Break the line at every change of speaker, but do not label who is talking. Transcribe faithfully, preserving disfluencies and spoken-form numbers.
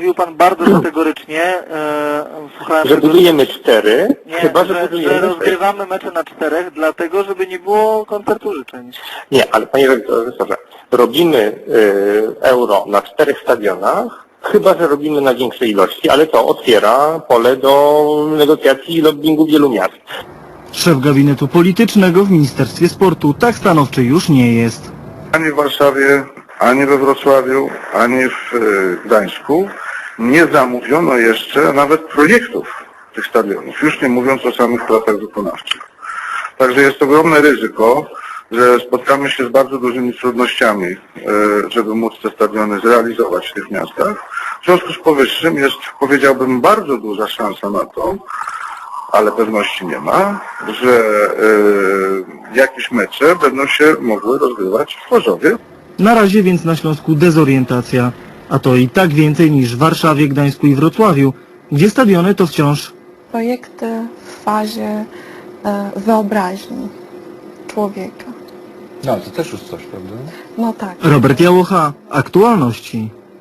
mówił pan bardzo kategorycznie. E, słuchałem
Że
tego,
budujemy cztery,
nie,
chyba że,
że,
budujemy
że
sześć.
rozgrywamy mecze na czterech, dlatego żeby nie było koncertu życzeń.
Nie, ale panie redaktorze, robimy y, euro na czterech stadionach, chyba że robimy na większej ilości, ale to otwiera pole do negocjacji i lobbingu wielu miast.
Szef gabinetu politycznego w Ministerstwie Sportu tak stanowczy już nie jest.
Ani w Warszawie, ani we Wrocławiu, ani w e, Gdańsku nie zamówiono jeszcze nawet projektów tych stadionów, już nie mówiąc o samych pracach wykonawczych. Także jest ogromne ryzyko, że spotkamy się z bardzo dużymi trudnościami, e, żeby móc te stadiony zrealizować w tych miastach. W związku z powyższym jest, powiedziałbym, bardzo duża szansa na to, ale pewności nie ma, że e, jakieś mecze będą się mogły rozgrywać w Chorzowie.
Na razie więc na Śląsku dezorientacja, a to i tak więcej niż w Warszawie, Gdańsku i Wrocławiu, gdzie stadiony to wciąż
Projekty w fazie e, wyobraźni człowieka.
No, to też już coś, prawda?
No tak.
Robert Jałocha, Aktualności.